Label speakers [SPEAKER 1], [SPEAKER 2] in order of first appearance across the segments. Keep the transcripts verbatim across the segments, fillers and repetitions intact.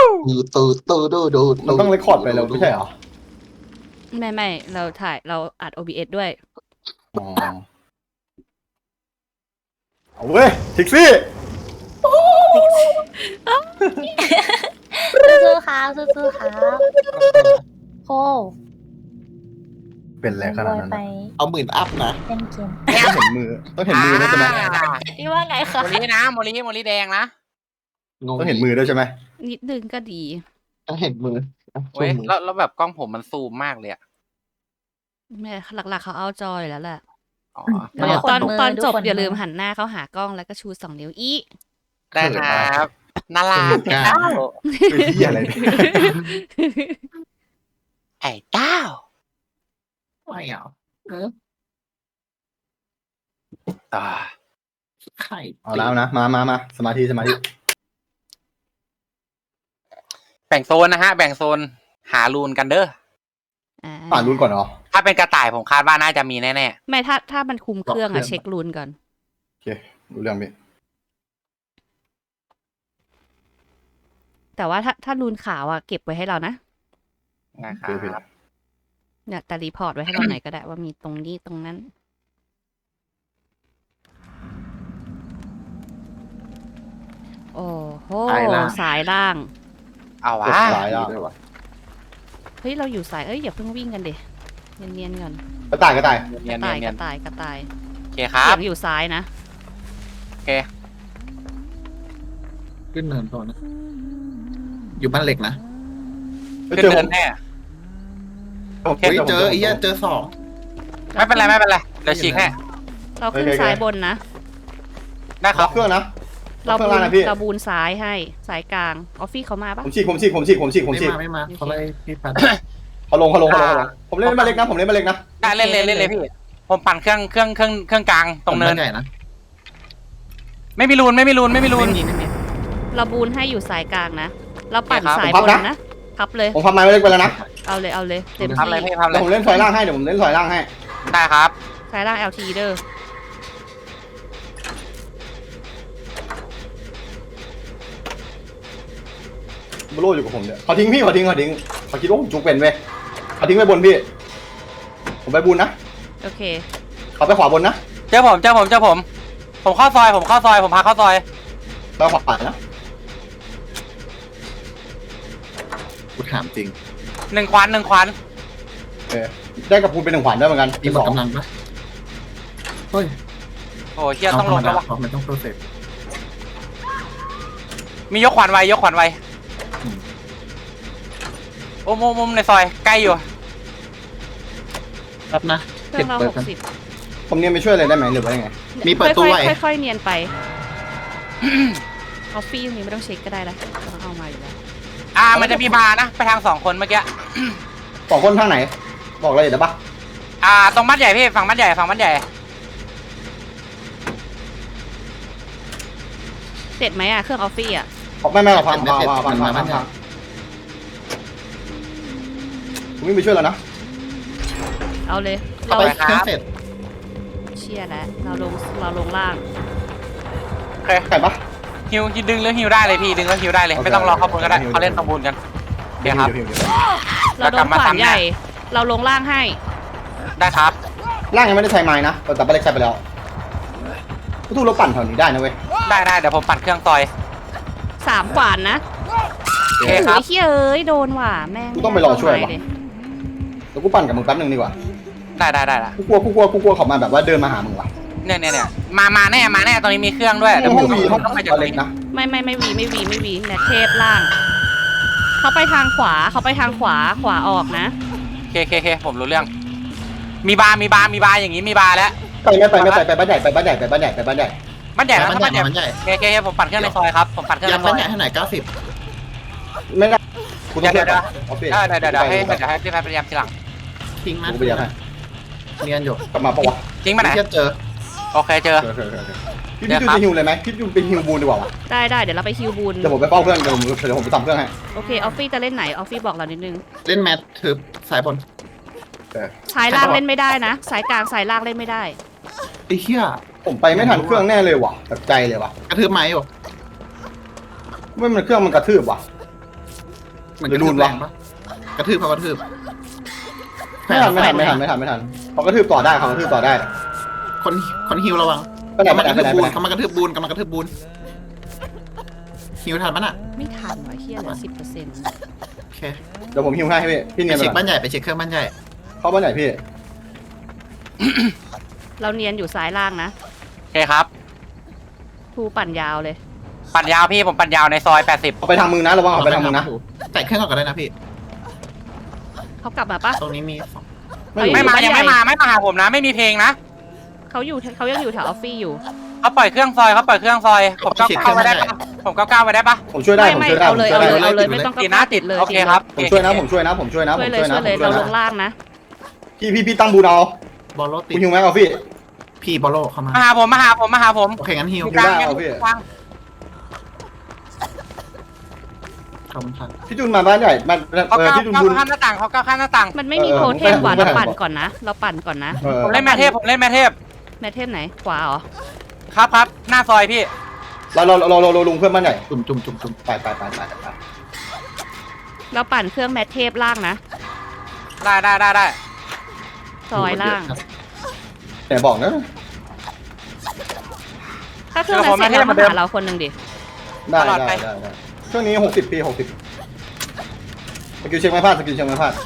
[SPEAKER 1] ตูตูดูดู
[SPEAKER 2] มันต้องเรคคอร์ดไปแล้วไม่ใช่เหรอ
[SPEAKER 3] ไม่ไม่เราถ่ายเราอัด โอ บี เอส ด้วย
[SPEAKER 2] อ๋อเอาเว้ยทิกซี่
[SPEAKER 4] สู้ๆครับสู้ๆครับโค
[SPEAKER 2] เป็นอะไรขนาดนั้น
[SPEAKER 4] ไป
[SPEAKER 1] เอาหมื่นอัพนะ
[SPEAKER 4] เล่นเกม
[SPEAKER 2] ต้องเห็นมือต้องเห็นมือด้วยใช่ไหม
[SPEAKER 4] พี่ว่าไงคะ
[SPEAKER 5] โมลินะโมลิโมลิแดงนะ
[SPEAKER 1] งง
[SPEAKER 2] ต้องเห็นมือด้วยใช่ไหม
[SPEAKER 3] นิดนึงก็ดี
[SPEAKER 1] ต้องเห็นมืออ่ะ
[SPEAKER 5] เว้ย
[SPEAKER 1] ชูมือ
[SPEAKER 5] แล้วแล้วแบบกล้องผมมันซูมมากเลยอะ
[SPEAKER 3] แม่หลักๆเขาเอาจอยแล้วแหละ
[SPEAKER 5] อ๋อ
[SPEAKER 3] เดี๋ยวตอนตอนจบอย่าลืมหันหน้าเขาหากล้องแล้วก็ชูสองนิ้วอี
[SPEAKER 5] ได้ครับน่ารัก
[SPEAKER 1] กล้า
[SPEAKER 5] เต้า
[SPEAKER 2] เป็นที่อะไรเนี่ย
[SPEAKER 5] ไอ้เต้า
[SPEAKER 1] ไม่เอาเออ
[SPEAKER 5] อ่า
[SPEAKER 1] ไข่
[SPEAKER 2] เอาแล้วนะมามามาสมาธิสมาธิ
[SPEAKER 5] แบ่งโซนนะฮะ แบ่งโซนหารูนกันเด้อ
[SPEAKER 3] อ่า
[SPEAKER 2] อ่านรุ่นก่อนเหรอ
[SPEAKER 5] ถ้าเป็นกระต่ายผมคาดว่าน่าจะมีแน่
[SPEAKER 3] ไม่ถ้าถ้ามันคุมเครื่องอะเช็ครูนก่อน
[SPEAKER 2] โอเครู้เรื่องพี่
[SPEAKER 3] แต่ว่าถ้าถ้ารูนขาวอะเก็บไว้ให้เรานะ
[SPEAKER 5] ๆนะค
[SPEAKER 2] โอเคพี่
[SPEAKER 5] รับ
[SPEAKER 3] เนี่ยแต่รีพอร์ตไว้ให้เราหน่อยก็ได้ว่ามีตรงนี้ตรงนั้น โอ้โหสายล่าง
[SPEAKER 5] เอา
[SPEAKER 2] ก
[SPEAKER 5] วะ
[SPEAKER 2] ดสายแล้ว
[SPEAKER 1] ด้วยวะ
[SPEAKER 3] เฮ้ยเราอยู่สายเอ้ยอย่าเพิ่งวิ่งกันเดเนียนๆก่อน
[SPEAKER 2] กระต่ายกระต่าย
[SPEAKER 3] ก
[SPEAKER 5] เนีย
[SPEAKER 3] ระ
[SPEAKER 5] น
[SPEAKER 3] ต่าย
[SPEAKER 5] เนี
[SPEAKER 3] ก
[SPEAKER 5] ยน
[SPEAKER 3] ระต่ายกระต่าย
[SPEAKER 5] โอเคครั
[SPEAKER 3] เสี
[SPEAKER 5] บ
[SPEAKER 3] ยงอยู่ซ้ายนะ
[SPEAKER 5] โอเค
[SPEAKER 1] ขึ้นเนินก่อนนะ อยู่บ้านเหล็กนะ
[SPEAKER 2] เฮ้ย
[SPEAKER 5] ขึ้น
[SPEAKER 2] เจอผ
[SPEAKER 5] เดิ
[SPEAKER 2] ม
[SPEAKER 5] นแน่
[SPEAKER 2] ผม
[SPEAKER 1] เฮ้ยเจอ
[SPEAKER 2] ผม
[SPEAKER 1] ไอ้เหี้ยเจอสอง
[SPEAKER 5] ไม่เป็นไรไม่เป็นไรเดี๋ยวฉีกให้
[SPEAKER 3] เราขึ้นซ้ายบนนะ
[SPEAKER 5] ได้ค
[SPEAKER 2] ล็
[SPEAKER 5] รั
[SPEAKER 2] อบ กเครื่องนะ
[SPEAKER 3] เรา
[SPEAKER 2] เครื่
[SPEAKER 3] บู
[SPEAKER 2] อง
[SPEAKER 3] น
[SPEAKER 2] ล่างนะพี่
[SPEAKER 3] เราบูนซ้ายให้สายกลางออฟฟี่เขามาปะ
[SPEAKER 2] ผมฉีกผมฉีกผมฉีกผมฉีกผม
[SPEAKER 1] ไม่
[SPEAKER 2] ฉีก
[SPEAKER 1] มาไม่มาเขาเลยพี่ปัด
[SPEAKER 2] เขาลงเขาลงเขาลงเขาลงผมเล่นมาเล็กนะผมเล่นมาเล็กนะ
[SPEAKER 5] ได้เล่นเลยเล่นเลยพี่ ผมปั่นเครื่องเครื่องเครื่องเครื่องกลางตรงเนิน
[SPEAKER 1] ใหญ่นะ
[SPEAKER 5] ไม่มีรูนไม่มีรูนไม่มีรูน
[SPEAKER 1] ไม่มีไม่มี
[SPEAKER 3] เราบูนให้อยู่สายกลางนะ เราปั่น
[SPEAKER 5] โอเคครับ
[SPEAKER 3] สายบนนะพับเลย
[SPEAKER 2] ผมพับไม้มาเล็กไปแล้วนะ
[SPEAKER 3] เอาเลยเอาเลยเต็ม
[SPEAKER 5] ทำอะไร
[SPEAKER 3] ที่
[SPEAKER 5] พี่ทำอะไร
[SPEAKER 2] เดี๋ยวผมเล่นซอยล่างให้เดี๋ยวผมเล่นซอยล่างให้
[SPEAKER 5] ได้ครับ
[SPEAKER 3] สายล่าง แอล ที เด้อ
[SPEAKER 2] บโลอยู่กับผมเนี่ยเขาทิ้งพี่เขาทิ้งเขาทิ้งเขาคิดว่าผมจุกเป็นเว้ยเขาทิ้งไปบนพี่ ผมไปบุญนะ
[SPEAKER 3] โอเค
[SPEAKER 2] เขาไปขวาบนนะ
[SPEAKER 5] เจอผมเจอผมเจอผม ผมเข้าซอยผมเข้าซอยผมพาเข้าซอย
[SPEAKER 2] ไปขวานะ
[SPEAKER 1] กูถามจริง
[SPEAKER 5] หนึ่งควันหนึ่งควัน
[SPEAKER 2] เออได้กับพูนเป็นหนึ่งขวัญด้วยเหมือนกัน
[SPEAKER 1] มีหมดกำลังปะเฮ้ย
[SPEAKER 5] โอ้เฮียต้องลง
[SPEAKER 1] แล้
[SPEAKER 5] แล้ว ววะ
[SPEAKER 1] เพราะมันต้องโปรเซส
[SPEAKER 5] มียกขวัญไว้ยกขวัญไว้
[SPEAKER 1] อืม
[SPEAKER 5] โอ้มุมมุมในซอยใกล้อยู่
[SPEAKER 1] ครับนะ
[SPEAKER 3] เครื่องเรา
[SPEAKER 1] เปิ
[SPEAKER 3] ห
[SPEAKER 1] ด
[SPEAKER 3] ก
[SPEAKER 1] กัน
[SPEAKER 3] สิบ
[SPEAKER 2] ผมเนี่ยไปช่วยอะไรได้ไหมหรือว่ายังไง
[SPEAKER 1] มีเปิดตู้ไว้
[SPEAKER 3] ค่อยๆค่อยๆเนียนไป ออฟฟี่ตรงนี้ไม่ต้องเช็คก็ได้แล้วต้องเอามาอยู่แล้ว
[SPEAKER 5] อ่ามันจะมีบาร์นะไปทางสองคนเมื่อกี้
[SPEAKER 2] สองคนทางไหน บอกเลยเดี๋ยวปะ
[SPEAKER 5] อ่าตรงมัดใหญ่พี่ฝั่งมัดใหญ่ฝั่งมัดใหญ่
[SPEAKER 3] เสร็จไหมอะเครื่องออฟฟี่อะ
[SPEAKER 2] ไม่ไม่หรอกพัง
[SPEAKER 1] ไม่
[SPEAKER 2] พัง
[SPEAKER 1] เสร็จ
[SPEAKER 2] พังพัง
[SPEAKER 1] มัน
[SPEAKER 2] พั
[SPEAKER 1] มาง ไม่
[SPEAKER 2] พังผมวิ่งไปช่วยแล้วนะ
[SPEAKER 3] เอาเลย
[SPEAKER 1] เอา
[SPEAKER 3] เรา
[SPEAKER 1] ไปเครื่องเสร็จ
[SPEAKER 3] เชียร์แล้วเราลงเราลงล่าง
[SPEAKER 5] โอเค
[SPEAKER 2] ไก่ปะ
[SPEAKER 5] ฮิวดึงแล้วฮิวได้เลยพี่ดึงแล้วฮิวได้เลย
[SPEAKER 2] โอเค
[SPEAKER 5] ไม่ต้องรอเข้าบนก็ได้
[SPEAKER 2] ฮิว
[SPEAKER 5] เขาเล่นตรงบนกันเดี๋ยวครับ
[SPEAKER 2] เดี๋ยวเดี๋ยว
[SPEAKER 3] เราโดนขวานใหญ่ เราลงล่างให้
[SPEAKER 5] ได้ครับ
[SPEAKER 2] ร่างยังไม่ได้ใช้ไม้นะแต่บัลเล็กใช้ไปแล้วทุกเราปั่นแถวนี้ได้นะเว้ย
[SPEAKER 5] ได้ได้เดี๋ยวผมปั่นเครื่องซอย
[SPEAKER 3] สามขวานนะ
[SPEAKER 5] โอเค
[SPEAKER 3] โอ้
[SPEAKER 5] ครับ
[SPEAKER 3] ยเฮ้ยเอ้ยโดนว่ะแม่ง
[SPEAKER 2] กูต้องไปรอช่วย
[SPEAKER 3] ม่
[SPEAKER 2] ว่ะ
[SPEAKER 3] เลย
[SPEAKER 2] เดี๋ยวกูปั่นกับมึงแป๊บนึงดีกว่า
[SPEAKER 5] ได้ได้ได้ละ
[SPEAKER 2] กูกลัวกูกลัวกูกลัวเขามาแบบว่าเดินมาหามึงว่ะ
[SPEAKER 5] เนี่ยเนี่ยเนี่ยมามาแน่มาแน่ตรงนี้มีเครื่องด้วยเดี๋ยว
[SPEAKER 2] ห้
[SPEAKER 5] ผ
[SPEAKER 2] อง
[SPEAKER 5] ม
[SPEAKER 2] วีห้อง
[SPEAKER 5] ต้องไปจาก
[SPEAKER 2] บัล
[SPEAKER 5] ตร
[SPEAKER 2] เล็
[SPEAKER 5] ง
[SPEAKER 2] ก
[SPEAKER 5] นี้
[SPEAKER 2] นะ
[SPEAKER 3] ไม่ไม่ไม่วีไม่วีไม่วีเนี่ยเทพล่าง เขาไปทางขวาเขาไปทางขวาขวาออกนะ
[SPEAKER 5] โอเคโอเคโอเคผมรู้เรื่อง มีบาร์มีบาร์มีบาร์อย่างนี้มีบาร์แล้ว
[SPEAKER 2] ไปไม่ไปไม่ไปไปบ้านใหญ่ไปบ้านใหญ่ไปบ้านใหญ่ไปบ้านใหญ่
[SPEAKER 5] มันใหญ่นะ
[SPEAKER 1] มัน
[SPEAKER 5] มัน
[SPEAKER 1] ใหญ่
[SPEAKER 5] ใหญ่
[SPEAKER 1] มันใหญ่
[SPEAKER 5] โอเคโอเคโอเคผมปั่นเครื่องในซอยครับผมปั่นเครื่อง
[SPEAKER 1] ยั
[SPEAKER 5] ใน
[SPEAKER 1] ง
[SPEAKER 5] ซ
[SPEAKER 1] มั
[SPEAKER 5] อน ย
[SPEAKER 1] ใหญ่เท่าไหร่เก้าสิบ
[SPEAKER 2] ไม่ได้กูต้อง
[SPEAKER 5] เดี๋ยวเดี๋ยว
[SPEAKER 2] ออฟฟิศ
[SPEAKER 5] ได้เดี๋ยวเดี๋ยวให้เดี๋ยวให้พี่แพทย์พยายามทีหลัง
[SPEAKER 1] ทิ้งนะ
[SPEAKER 2] กูไปเดี๋ยวให้
[SPEAKER 1] เนียนอยู่
[SPEAKER 2] กลับมาปะวะ
[SPEAKER 5] จริงปะไหน
[SPEAKER 1] เทียบเจอ
[SPEAKER 5] โอเคเจอ
[SPEAKER 2] เออเออเออเออพี่พี่ดูจะฮิวเลยไหมพี่ดูเป็นฮิวบูนดีกว่าวะ
[SPEAKER 3] ได้ได้เดี๋ยวเราไปฮิวบูน
[SPEAKER 2] เดี๋ยวผมไปเฝ้าเครื่องเดี๋ยวผมเดี๋ยวผมไปทำเครื่องให้
[SPEAKER 3] โอเคออฟฟี่จะเล่นไหนออฟฟี่บอกเรานิดนึง
[SPEAKER 1] เล่นแมททึบสายบน
[SPEAKER 2] เออ
[SPEAKER 3] สายล่างเล่นไม่ได้นะ สายกลางสายล่างเล่นไม่ได้
[SPEAKER 1] ไอ้เหี้ย
[SPEAKER 2] ผมไปไม่ทันเครื่องแน่เลยว่ะตัดใจเลยว่ะ
[SPEAKER 1] กระทืบไม้อยู่
[SPEAKER 2] ไม่มันเครื่องมันกระทืบว่ะ
[SPEAKER 1] เหมือน
[SPEAKER 2] หรื
[SPEAKER 1] ก
[SPEAKER 2] อ
[SPEAKER 1] ระ
[SPEAKER 2] ดู
[SPEAKER 1] ทืบ
[SPEAKER 2] น
[SPEAKER 1] แร
[SPEAKER 2] วะ
[SPEAKER 1] งปะกระทืบเขากระทืบ
[SPEAKER 2] ไม่ทันไม่ทันไม่ทันไม่ทันไม่ทันเขากระทืบต่อได้เขากระทืบต่อได้
[SPEAKER 1] คนคนฮิวระวัง
[SPEAKER 2] ไปไหน
[SPEAKER 1] เขา
[SPEAKER 2] ไป
[SPEAKER 1] มา
[SPEAKER 2] ไหน
[SPEAKER 1] กระ
[SPEAKER 2] ไป
[SPEAKER 1] ทื
[SPEAKER 2] ไหน
[SPEAKER 1] บ
[SPEAKER 2] ไป
[SPEAKER 1] บู
[SPEAKER 2] ไหน
[SPEAKER 1] นเขามากระทืบบูนกำลังกระทืบบูนฮิวทันปะน่ะ
[SPEAKER 3] ไม่ทันว่ะเฮียเหลือสิบเปอร์เซ็นต์
[SPEAKER 1] โอเค
[SPEAKER 2] เดี๋ยวผมฮิวให้พี่พี่
[SPEAKER 1] ไป
[SPEAKER 2] เนียนไป
[SPEAKER 1] เช็ค
[SPEAKER 2] ก่อ
[SPEAKER 1] บ้าน นใหญ่ไปเช็คเครื่องบ้านใหญ่
[SPEAKER 2] เข้าบ้านไหนพี่
[SPEAKER 3] เราเนียนอยู่ซ้ายล่างนะ
[SPEAKER 5] โอเคครับ
[SPEAKER 3] ทูปั่นยาวเลย
[SPEAKER 5] ปั่นยาวพี่ผมปั่นยาวในซอยแปดสิบ
[SPEAKER 2] เอาไปทางมึงนะระวังเอาไปทางมึงนะ
[SPEAKER 1] ใส่เครื่องก่อนก็ได้นะพี่
[SPEAKER 3] เขากลับมาปะ
[SPEAKER 1] ตรงนี้มีสอง
[SPEAKER 3] เอ้ย
[SPEAKER 5] ไม่มา
[SPEAKER 3] บ้านใหญ่
[SPEAKER 5] ยังไม่มาไม่มาหาผมนะ ไม่มีเพลงนะ
[SPEAKER 3] เขาอยู่เขายังอยู่แถวออฟฟี่อยู่
[SPEAKER 5] เขาปล่อยเครื่องซอยเขาปล่อยเครื่องซอยผมก้าวก้าวไว้ได้ปะผมก้าวก้าวไว้ได้ปะ
[SPEAKER 2] ผมช่วยได้
[SPEAKER 3] ไม่
[SPEAKER 2] ผม
[SPEAKER 3] ไม่
[SPEAKER 2] ช่วยได้
[SPEAKER 3] เอา
[SPEAKER 2] ผม
[SPEAKER 3] เลย
[SPEAKER 2] ช่วย
[SPEAKER 3] เอา
[SPEAKER 2] ได้
[SPEAKER 3] เลยเอาเลยไม่ต้อง
[SPEAKER 5] ติดนะติด
[SPEAKER 3] เลย
[SPEAKER 5] โอเคครับ
[SPEAKER 2] ผมช่วยนะผมช่วยนะผมช่วยนะผ
[SPEAKER 3] ช่วย
[SPEAKER 2] ม
[SPEAKER 3] เลย
[SPEAKER 2] ช่วย
[SPEAKER 3] ช่
[SPEAKER 2] นะ
[SPEAKER 3] วยเลย
[SPEAKER 2] ผมช่
[SPEAKER 3] เรา
[SPEAKER 2] วย
[SPEAKER 3] ล
[SPEAKER 2] นะ
[SPEAKER 3] งล่างนะ
[SPEAKER 2] พี่พี่พี่ตั้งบูนเอา
[SPEAKER 1] บอลโลติ
[SPEAKER 2] คุ
[SPEAKER 1] ด
[SPEAKER 2] ณฮิวแม็กเอาพี่
[SPEAKER 1] พี่บอลโลเข้ามา
[SPEAKER 5] มาหาผมมาหาผมมาหาผม
[SPEAKER 1] โอเคงั้นฮิว
[SPEAKER 5] อยู่กลาง
[SPEAKER 2] ได้เอาพี่
[SPEAKER 5] กลาง
[SPEAKER 1] ขอบคุณครับ
[SPEAKER 2] พี่จุนมาบ้านใหญ่มา
[SPEAKER 5] เขา
[SPEAKER 2] เออ
[SPEAKER 5] ก้าว
[SPEAKER 2] พี่จุน
[SPEAKER 5] ก้าว
[SPEAKER 2] บุญ
[SPEAKER 5] ข้ามหน้าต่างเขาก้าวข้ามหน้าต่าง
[SPEAKER 3] มันไม่มี
[SPEAKER 2] เออ
[SPEAKER 3] โทเทม
[SPEAKER 2] ผม
[SPEAKER 3] ว่ะ
[SPEAKER 2] ไม่
[SPEAKER 3] เรา
[SPEAKER 2] ทัน
[SPEAKER 3] ปั่นก่อนนะ เราปั่นก่อนนะ
[SPEAKER 2] เออ
[SPEAKER 5] ผมเล่นแม่เทพผมเล่นแม่เทพ
[SPEAKER 3] แมทเทมไหนขวาเหรอ
[SPEAKER 5] ครับครับหน้าซอยพี่
[SPEAKER 2] เราเราเราเราเราลงเพื่อนบ้านใหญ่
[SPEAKER 1] จุ่มจุ่มจุ่มจุ่ม
[SPEAKER 2] ไปไปไปไปไป
[SPEAKER 3] เราปั่นเครื่องแมทเทปล่างนะ
[SPEAKER 5] ได้ได้ได้ได้
[SPEAKER 3] ซอยล่าง
[SPEAKER 2] แต่บอกนะ
[SPEAKER 3] ถ้าเครื่องนั้นเสร็จแล้วมาหาเราคนหนึ่งดิ
[SPEAKER 2] ได้ได้ได้ได้ช่วงนี้หกสิบปีหกสิบสกิลเช็คไม่พลาดสกิลเช็คไม่พลาด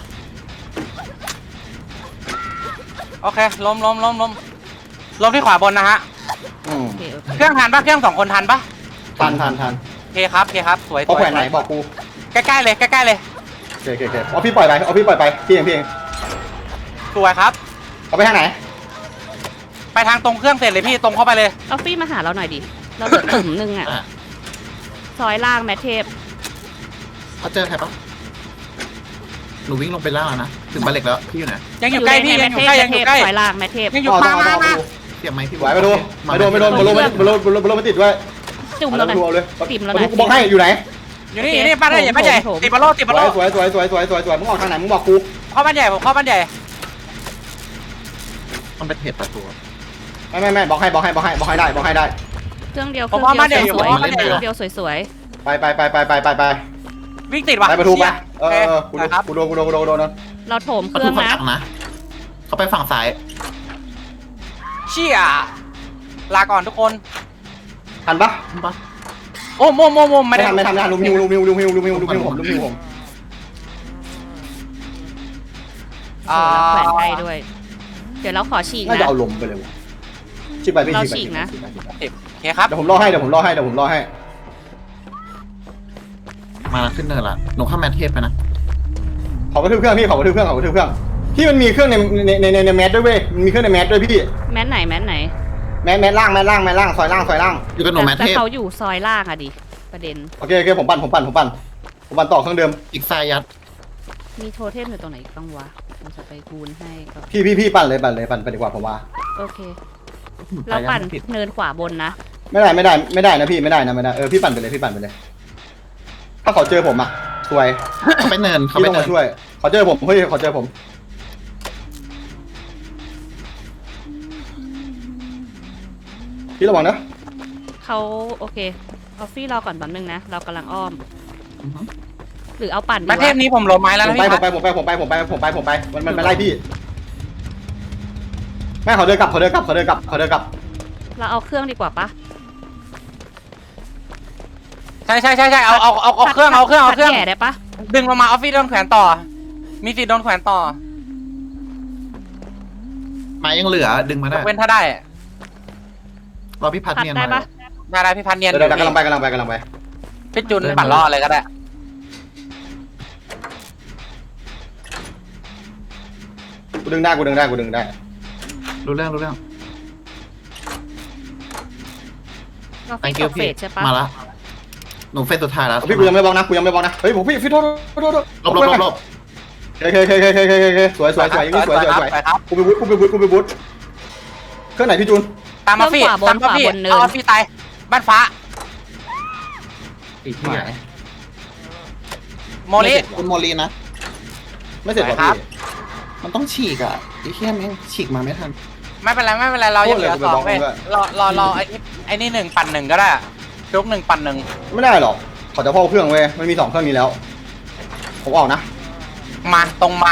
[SPEAKER 5] โอเคล้มล้มล้มล้มล้มที่ขวาบนนะฮะ
[SPEAKER 2] อืม
[SPEAKER 3] โอเคโอเค
[SPEAKER 5] เครื่องทันปะเครื่องสองคนทันปะ
[SPEAKER 2] ทันทันทัน
[SPEAKER 5] โอเคครับโอเคครับสวยส
[SPEAKER 2] เขา
[SPEAKER 5] วย
[SPEAKER 2] แขวนไหนบอกกู
[SPEAKER 5] ใกล้ๆเลยใกล้ๆเลย
[SPEAKER 2] โอเคโอเคโอเคเอาพี่ปล่อยไปเอาพี่ปล่อยไปพี่เองพี่เอง
[SPEAKER 5] สวยครับ
[SPEAKER 2] เอาไปทางไหน
[SPEAKER 5] ไปทางตรงเครื่องเสร็จเลยพี่ตรงเข้าไปเลย
[SPEAKER 3] ออฟฟี่มาหาเราหน่อยดิ เราเหลือตุ่มหนึงอ่ะ
[SPEAKER 1] อ่ะ
[SPEAKER 3] ซอยล่างแมทเทป
[SPEAKER 1] เขาเจอใครปะหนูวิ่งลงไปล่างแล้วนะถึงบ้านเหล็กแล้วพี่อยู่ไหน
[SPEAKER 5] ยังอยู่ใกล้พี่ยังอยู่ใกล้ยังอยู่ใกล้
[SPEAKER 3] ซอยล่างแมทเทป
[SPEAKER 5] ยังอยู่
[SPEAKER 2] ต่อ
[SPEAKER 5] มา
[SPEAKER 2] ต่อ
[SPEAKER 5] มา
[SPEAKER 2] ต่อ
[SPEAKER 5] มา
[SPEAKER 1] เสียบไหมพี่
[SPEAKER 2] ไหวไปดูไม่โดนไม่โดนบอลลงไม่บอลลงบอลลงบอลลงบอลลงไม่ติดด้วย
[SPEAKER 3] จุ่ม
[SPEAKER 2] เอา
[SPEAKER 3] เราหน่อย
[SPEAKER 2] ดูเอาเลย
[SPEAKER 3] ปิ่มเราห
[SPEAKER 2] มา
[SPEAKER 3] น่
[SPEAKER 2] ดู
[SPEAKER 3] อย
[SPEAKER 2] กูบอกให้อยู่ไหน
[SPEAKER 5] อยู่นี่อยู่นี่บ้านใหญ่บ้านใหญ่ติดบอลโลติด
[SPEAKER 2] ส
[SPEAKER 5] บอล
[SPEAKER 2] ว
[SPEAKER 5] โล
[SPEAKER 2] ยสวยสวยสวยสวยสวยสวยสวยมึงออกทางไหนมึงบอกกู
[SPEAKER 5] เข้าบ้านใหญ่ผมเข้าบ้านใหญ่
[SPEAKER 1] มันเป็นเหตุตัดตัว
[SPEAKER 2] ไม่ไม่ไม่บอกให้บอกให้บอกให้บอกให้ได้บอกให้ได้
[SPEAKER 3] เครื่องเดียวเค
[SPEAKER 5] ผม
[SPEAKER 3] รื่อง
[SPEAKER 5] ว่า
[SPEAKER 3] เดี
[SPEAKER 5] บ้าน
[SPEAKER 3] ยว
[SPEAKER 5] ใหญ่อยู่
[SPEAKER 3] สวย
[SPEAKER 5] ผมว่าบ้านใหญ่อยู่
[SPEAKER 3] เครื่องเดียวสวย
[SPEAKER 2] ไปไปไปไปไปไปไป
[SPEAKER 5] วิ่งติดว่ะ
[SPEAKER 2] ไปประตูไปเอ
[SPEAKER 5] เชี่ย
[SPEAKER 2] อเออกู
[SPEAKER 5] โอ
[SPEAKER 2] โด
[SPEAKER 5] เคน ครับ
[SPEAKER 2] กูโดนกูโดนกูโดนกูโดนนะ
[SPEAKER 3] ๆ เราโถมเค
[SPEAKER 1] ประ
[SPEAKER 3] รื่
[SPEAKER 1] ตู
[SPEAKER 3] อง
[SPEAKER 1] ฝั่ง
[SPEAKER 3] นะ
[SPEAKER 1] หลังนะเขาไปฝั่งซ้าย
[SPEAKER 5] เชี่ยลาก่อนทุกคน
[SPEAKER 2] ทันปะ
[SPEAKER 1] เห็นปะ
[SPEAKER 5] โอ้โมโมโมไม่
[SPEAKER 2] ไม่
[SPEAKER 5] ได้
[SPEAKER 2] ทันไม่ทันไม่ทันลุมฮิวลุมฮิวลุมฮิวลุมฮิวลุมฮิวผมลุมฮิวผม
[SPEAKER 5] อ่า
[SPEAKER 3] โอ้แล้วแขวนใกล้ด้วย เดี๋ยวเราขอฉีก
[SPEAKER 2] น่า
[SPEAKER 3] นะ
[SPEAKER 2] จะเอาลมไปเลยว่ะฉีกไปพี่
[SPEAKER 3] เรา
[SPEAKER 2] ฉีกไป
[SPEAKER 3] ฉีกนะ
[SPEAKER 2] ฉีกไปฉีกไป
[SPEAKER 5] โอเคครับ
[SPEAKER 2] เดี๋ยวผมรอให้เดี๋ยวผมรอให้เดี๋ยวผมรอให้
[SPEAKER 1] มาแล้วขึ้นเนินละหนูเข้าแมทเทปไปนะ
[SPEAKER 2] เขากระทืบเครื่องพี่เขากระทืบเครื่องเขากระทืบเครื่องพี่มันมีเครื่องในในในในในแมสด้วยเว้ยมันมีเครื่องในแมสด้วยพี่
[SPEAKER 3] แมทไหนแมทไหน
[SPEAKER 2] แมสแมสล่างแมสล่างแมสล่างซอยล่างซอยล่าง
[SPEAKER 1] อยู่กับหนูแมท
[SPEAKER 3] แต่
[SPEAKER 1] เทป
[SPEAKER 3] เขาอยู่ซอยล่างอะดิ ประเด็น
[SPEAKER 2] โอเคโอเคผมปั่นผมปั่นผมปั่นผมปั่นต่อเครื่องเดิม
[SPEAKER 1] อีกซ้ายยัด
[SPEAKER 3] มีโทเทมอยู่ตรงไหนอีกบ้างวะเราจะไปคูณให้ก็
[SPEAKER 2] พี่พี่พี่ปั่นเลยปั่นเลยปั่นไปดีกว่าผมว่า
[SPEAKER 3] โอเค เราปั่น
[SPEAKER 1] ผิด
[SPEAKER 3] เนินขวาบนนะ
[SPEAKER 2] ไม่ได้ไม่ได้ไม่ได้นะพี่ไม่ได้นะไม่ได้เออพี่ปั่นไปเลยพี่ปั่นไปเลย ถ้าเขาเจอผมอ่ะสวย
[SPEAKER 1] เขาไปเนินเขา
[SPEAKER 2] พี่
[SPEAKER 1] ไป
[SPEAKER 2] ต้อง
[SPEAKER 1] เนิ
[SPEAKER 2] มาน ช่วยเขาเจอผมเฮ้ยเขาเจอผมพี่ระวังนะ
[SPEAKER 3] เขาโอเคออฟฟี่รอก่อนแป๊บนึงนะ เรากำลังอ้อม
[SPEAKER 1] อือฮึ
[SPEAKER 3] หรือเอาปั่นดี
[SPEAKER 5] ประเทศ
[SPEAKER 3] วะ
[SPEAKER 5] นี้ผมลงไม้แล้ว
[SPEAKER 2] ผ
[SPEAKER 5] นะ
[SPEAKER 2] มไป
[SPEAKER 5] พี่
[SPEAKER 2] ผมไปผมไปผมไปผมไปผมไปผมไปมันมันไปไล่พี่แม่เขาเดินกลับเขาเดินกลับเขาเดินกลับเขาเดินกลับ
[SPEAKER 3] เราเอาเครื่องดีกว่าปะ
[SPEAKER 5] ใช่ใช่ใช่ใช่เอาเอาเอาเอาเครื่องเอาเครื่องเอาเครื่อง
[SPEAKER 3] แก่ได้ปะ
[SPEAKER 5] ดึงลงมาออฟฟิศโดนแขวนต่อ มีสิทธิ์โดนแขวนต่อ
[SPEAKER 1] ไม้ยังเหลือดึงมาย ได้
[SPEAKER 5] กเว้นถ้าได้
[SPEAKER 1] รอพี่พัด
[SPEAKER 3] พัด
[SPEAKER 1] เนียน
[SPEAKER 3] ได้
[SPEAKER 1] มา
[SPEAKER 3] ปะ
[SPEAKER 5] ได้ได้พี่พันเนียน
[SPEAKER 2] เดี๋ยวเดี๋ยวกำลังไปกำลังไปกำลังไป
[SPEAKER 5] พี่จุนปั่นล่อเลยก็ได้
[SPEAKER 2] กูดึงได้กูดึงได้กูดึงได้
[SPEAKER 1] รู้เรื่องรู้เรื่อง
[SPEAKER 3] เรา
[SPEAKER 1] thank
[SPEAKER 3] ต
[SPEAKER 1] you
[SPEAKER 3] กเฟ
[SPEAKER 1] พี่
[SPEAKER 3] สใช่ปะ
[SPEAKER 1] มาละหนูเฟสสุดท้ายแล้ว
[SPEAKER 2] พี่กูยังไม่บอกนะกูยังไม่บอกนะเฮ้ยผมพี่พี่โทษโทษโทษ
[SPEAKER 1] ลบลบลบลบ
[SPEAKER 2] โอเคโอเคโอเคโอเคโอเคสวยสวยสวยอย่างนี้สวยสวยสวย
[SPEAKER 5] ไปครับ
[SPEAKER 2] กูไปบุ๊กูไปบุ๊กูไปบุ๊เครื่องไหนพี่จูน
[SPEAKER 5] ตามออฟฟิศตามออฟฟิศเอาออฟฟิศตายบ้านฟ้า
[SPEAKER 1] อีกที่ไหน
[SPEAKER 5] โมลิ
[SPEAKER 1] คุณโมลีนะ
[SPEAKER 2] ไม่เสร็จหรอ
[SPEAKER 5] ครั
[SPEAKER 2] พี่
[SPEAKER 5] บ
[SPEAKER 1] มันต้องฉีกอ่ะไอ้เหี้ยแม่งฉีกมาไม่ทัน
[SPEAKER 5] ไม่เป็นไรไม่เป็นไรเรายังเหลือสองเว้ยรอรอรอไอ้นี่ไอ้นี่หนึ่งปั่นหนึ่งก็ได้ยกหนึ่งปั่นหนึ่ง
[SPEAKER 2] ไม่ได้หรอกเขาจะพ่อเครื่องเว้ยมันมีสองเครื่องนี้แล้วผมออกนะ
[SPEAKER 5] มาตรงมา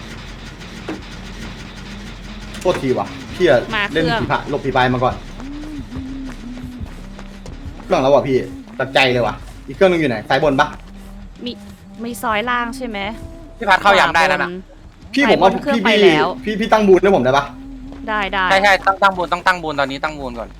[SPEAKER 2] โทษทีว่ะพี่อะ
[SPEAKER 3] มา
[SPEAKER 2] เล่น
[SPEAKER 3] เครื่อง
[SPEAKER 2] ผีพะหลบผีพายมาก่อนเครื่องแล้วว่ะพี่ตัดใจเลยว่ะอีกเครื่องนึงอยู่ไหนสายบนปะ
[SPEAKER 3] มีมีซอยล่างใช่ไหม
[SPEAKER 5] พี่พัดเข้ายามได้แล้วนะ
[SPEAKER 2] พี่ผมว่า
[SPEAKER 3] สายบนเครื่อง
[SPEAKER 2] พี่
[SPEAKER 3] ไป
[SPEAKER 2] พี่
[SPEAKER 3] แล้ว
[SPEAKER 2] พี่พี่ตั้งบูนให้ผมได้ปะ
[SPEAKER 3] ได้ได้
[SPEAKER 5] ใช่ใช่ตั้งตั้งบูนต้องตั้งบูนตอนนี้ตั้งบูนก่อน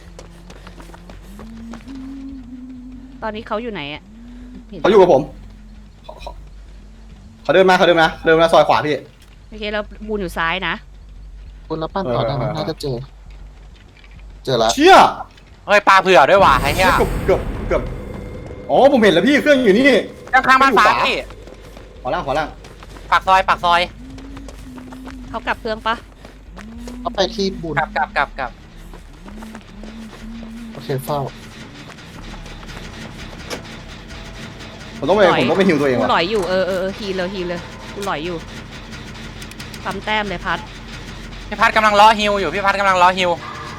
[SPEAKER 3] ตอนนี้เขาอยู่ไหนอะห็น
[SPEAKER 2] เขาอยู่กับผมเขาเขาเขาเดินมาเขาเดินมาเดินมาซอยขวาพี่
[SPEAKER 3] โอเคแล้วบูนอยู่ซ้ายนะ
[SPEAKER 1] คุณรับปั้นก่อนนะ
[SPEAKER 2] เออเออเออ
[SPEAKER 1] น่าจะเจอ เจอแล้ว
[SPEAKER 2] เชี่ย
[SPEAKER 5] เฮ้ยปลาเผื่อด้วยว่ะไอ้เหี้ย
[SPEAKER 2] เกือบเกือบเกือบอ๋อผมเห็นแล้วพี่เครื่องอยู่นี่
[SPEAKER 5] ข้างข้างบ้านฟ้าพี่
[SPEAKER 2] ขวาล่างขวาล่าง
[SPEAKER 5] ปากซอยปากซอย
[SPEAKER 3] เขากลับเครื่องปะ
[SPEAKER 1] เอาไปที่บุญ
[SPEAKER 5] กลับกลับกลับกลับ
[SPEAKER 1] โอเคเฝ้า
[SPEAKER 2] ผมต้องไปผมต้องไปฮิวตัวเอง
[SPEAKER 3] กู
[SPEAKER 2] ว่ะ
[SPEAKER 3] หลอยอยู่เออเออเออฮีเลยฮีเลยกูหลอยอยู่ปั๊มแต้มเลยพัด
[SPEAKER 5] พี่พัดกำลังล้อฮิวอยู่พี่พัดกำลังล้อฮิว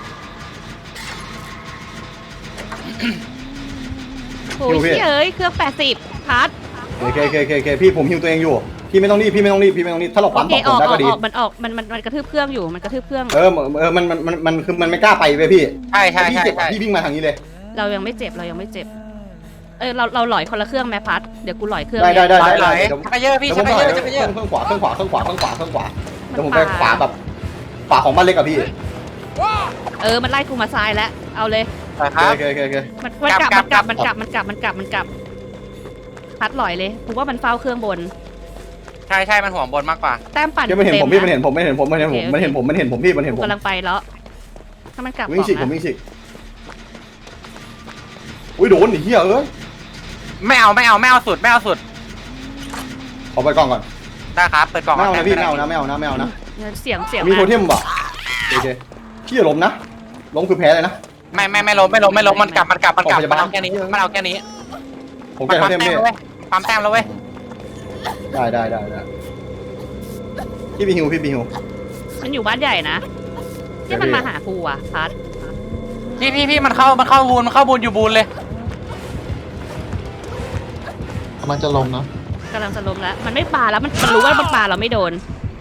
[SPEAKER 3] โอ้ยเฮ้ยเครื่องแปดสิบพัด
[SPEAKER 2] โอเคโอเคโอเคโอเคพี่ผมฮิวตัวเองอยู่พี่ไม่ต้องรีบพี่ไม่ต้องรีบพี่ไม่ต้องรีบถ้าเรา
[SPEAKER 3] โอ
[SPEAKER 2] ปั๊ม
[SPEAKER 3] เค
[SPEAKER 2] ต่อ
[SPEAKER 3] อ
[SPEAKER 2] ผ
[SPEAKER 3] อ
[SPEAKER 2] ม
[SPEAKER 3] ก
[SPEAKER 2] ได้
[SPEAKER 3] ออก
[SPEAKER 2] ก็ดี
[SPEAKER 3] ออกมันออกมันมันมันกระทืบเครื่องอยู่มันกระทืบเครื่อง
[SPEAKER 2] เออเออมันมันมันมันคือมันไม่กล้าไปเว้ยพี่
[SPEAKER 5] ใช่ใช่
[SPEAKER 2] พี่
[SPEAKER 5] ใช่
[SPEAKER 2] เจ็บ
[SPEAKER 5] ใช่
[SPEAKER 2] พี่วิ่งมาทางนี้เลย
[SPEAKER 3] เรายังไม่เจ็บเรายังไม่เจ็บเออเราเราหลอยคนละเครื่องไหมพัดเดี๋ยวกูหลอยเครื่อง
[SPEAKER 2] ได้ได้ได้
[SPEAKER 5] ไหล
[SPEAKER 2] ได้
[SPEAKER 5] ไหล
[SPEAKER 2] ได้เดี๋ยว
[SPEAKER 5] ชักกระเยอะพี่
[SPEAKER 2] เดี๋ยว
[SPEAKER 5] ชั
[SPEAKER 2] ผ
[SPEAKER 5] ก
[SPEAKER 2] ม
[SPEAKER 5] กระ
[SPEAKER 2] ไป
[SPEAKER 5] เยอะชักกระเยอะ
[SPEAKER 2] เครื่องขวาเครื่องขวาเครื่องขวาเครื่องขวาเครื่องขวา
[SPEAKER 3] มั
[SPEAKER 2] เดี๋ย
[SPEAKER 3] น
[SPEAKER 2] วผมไป
[SPEAKER 3] ปา
[SPEAKER 2] ขวาแบบขวาของบ้านเล็กกับพี่
[SPEAKER 3] เออมันไล่กูมาซ้ายแล้วเอาเลย
[SPEAKER 5] ครั
[SPEAKER 2] โอบ เคโอเคโอเค
[SPEAKER 3] มันมันกลับมันกลับมันกลับมันกลับมันกลับมันกลับพัดหลอยเลยกูว่ามันเฝ้าเครื่องบน
[SPEAKER 5] ใช่ใช่มันห่วงบนมากกว่า
[SPEAKER 3] แต้มปั่น
[SPEAKER 2] พี่มันเห็นผมพี่มัน
[SPEAKER 3] ต็ะ
[SPEAKER 2] เห็นผมมันเห็นผมมันเห็นผมมันเห็นผมมันเห็นผมพี่มันเห็น
[SPEAKER 3] กู
[SPEAKER 2] ผม
[SPEAKER 3] กำลังไปแล้วถ้ามันกลับ
[SPEAKER 2] วิ่งฉีก
[SPEAKER 3] บ
[SPEAKER 2] ผ
[SPEAKER 3] อ
[SPEAKER 2] ม
[SPEAKER 3] กนะ
[SPEAKER 2] วิ่งฉีกอุ้ยโดนไอ้เหี้ยเอ้ย
[SPEAKER 5] ไม่เอาไม่เอาไม่เอาสุดไม่เอาสุด
[SPEAKER 2] ขอไปกล่องก่อน
[SPEAKER 5] ได้ครับเปิดกล่อง
[SPEAKER 2] ไม่เอานะพี่ไม่เอานะไม่เอานะไม่เอานะ
[SPEAKER 3] เสียงเสียง
[SPEAKER 2] มีโท
[SPEAKER 3] มา
[SPEAKER 2] เทมป่ะโอเคพี่อย่าล้มนะล้มคือแพ้เลยนะ
[SPEAKER 5] ไม่ไม่ไม่ล้มไม่ล้มไม่ล้มมันกลับมันกลับมันกลับ
[SPEAKER 2] ขอพยา
[SPEAKER 5] มัน
[SPEAKER 2] บาล
[SPEAKER 5] เอาแค่นี้มันเอาแค่นี้
[SPEAKER 2] ผม
[SPEAKER 5] มั
[SPEAKER 2] แก้
[SPEAKER 5] น
[SPEAKER 2] โท
[SPEAKER 5] ปั๊ม
[SPEAKER 2] เทม
[SPEAKER 5] แต้ม
[SPEAKER 2] พี่
[SPEAKER 5] แล้วเว้ยปั๊มแต้มแล้วเว้ย
[SPEAKER 2] ได้ได้ได้ได้พี่บีฮิวพี่บีฮิว
[SPEAKER 3] มันอยู่บ้านใหญ่นะที่มันมาหากูอ่ะพัด
[SPEAKER 5] พี่พี่พี่มันเข้ามันเข้าบูนมันเข้าบูนอยู่บูนเลย
[SPEAKER 1] กำลังจะลงนะ
[SPEAKER 3] กำลังจะล้มแล้วมันไม่ปาแล้วมันมันรู้ว่ามันปาเราไม่โดน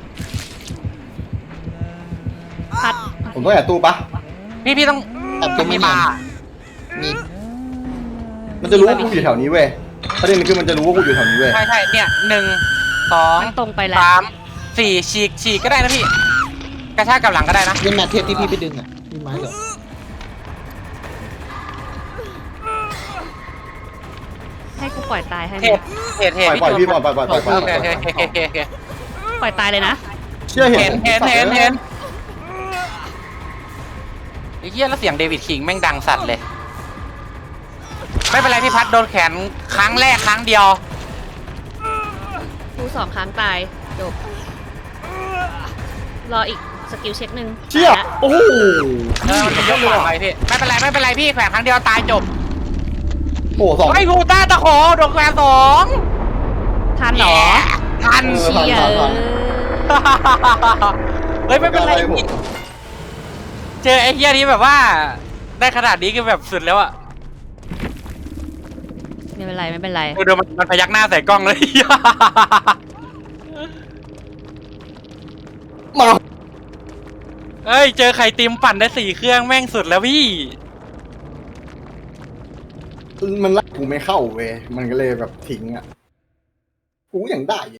[SPEAKER 3] พัด
[SPEAKER 2] ผมต้องแอบตู้ปะ
[SPEAKER 5] พี่พี่ต้อง
[SPEAKER 1] แอบตัวไม่
[SPEAKER 5] มี
[SPEAKER 1] เนีย
[SPEAKER 5] บาน ร์
[SPEAKER 1] มี
[SPEAKER 2] มันจะรู้ว่ากูอยู่แถวนี้เว้ยประเด็นคือมันจะรู้ว่ากูอยู่แถวนี้เว้ย
[SPEAKER 5] ใช่ใช่เนี่ยหนึ่งสอง
[SPEAKER 3] มันตรงไปแล้ว
[SPEAKER 5] สามสี่ฉีกฉีกก็ได้นะพี่ กระชากกับหลังก็ได้นะ
[SPEAKER 1] นี่แมทเทปที่พี่ไปดึงอ่ะพี่ไม้เหรอ
[SPEAKER 3] ให้กูปล่อยตายให้ไห
[SPEAKER 5] เท
[SPEAKER 3] ม
[SPEAKER 5] ศเทศเทศ
[SPEAKER 2] ปล่อยปล่อยพี่ปล่อยปล่อยปล่อยปล่อยปล่อย
[SPEAKER 5] โอเคโอเคโอเคโอเคโอเค
[SPEAKER 3] ปล่อยตายเลยนะ
[SPEAKER 2] เชื่อเห็
[SPEAKER 5] เห็
[SPEAKER 2] น
[SPEAKER 5] นเห็นเห็นเห็นไอ้เหี้ยแล้วเสียงเดวิดคิงแม่งดังสัตว์เลย ไม่เป็นไรพี่พัดโดนแขนครั้งแรกครั้งเดียว
[SPEAKER 3] กูสองครั้งตายจบรออีกสกิลเช็คหนึ่ง
[SPEAKER 2] เชี่ยโอ้โห
[SPEAKER 5] เออมันยกขวาไปพี่ไม่เป็นไรไม่เป็นไรพี่แขวนครั้งเดียวตายจบ
[SPEAKER 2] โอ้โหสอง
[SPEAKER 5] ไอ้กูต้าตะขอโดนแขวนสอง
[SPEAKER 3] ทันเหรอ
[SPEAKER 5] ทัน
[SPEAKER 2] เออ
[SPEAKER 3] เชีย
[SPEAKER 2] ทันทันทัน
[SPEAKER 5] เฮ้ยไม่เป็นไร
[SPEAKER 2] ผม
[SPEAKER 5] พี่เจอไอ้เหี้ยนี้แบบว่า ได้ขนาดนี้คือแบบสุดแล้วอะ
[SPEAKER 3] ไม่เป็นไรไม่เป็นไร
[SPEAKER 5] ดูมันมันพยักหน้าใส่กล้องเลย
[SPEAKER 2] มา
[SPEAKER 5] เอ้ยเจอไข่ติมปั่นได้สี่เครื่องแม่งสุดแล้วพี่
[SPEAKER 2] มันไล่กูไม่เข้าเว้ยมันก็เลยแบบทิ้งอ่ะกูยังได้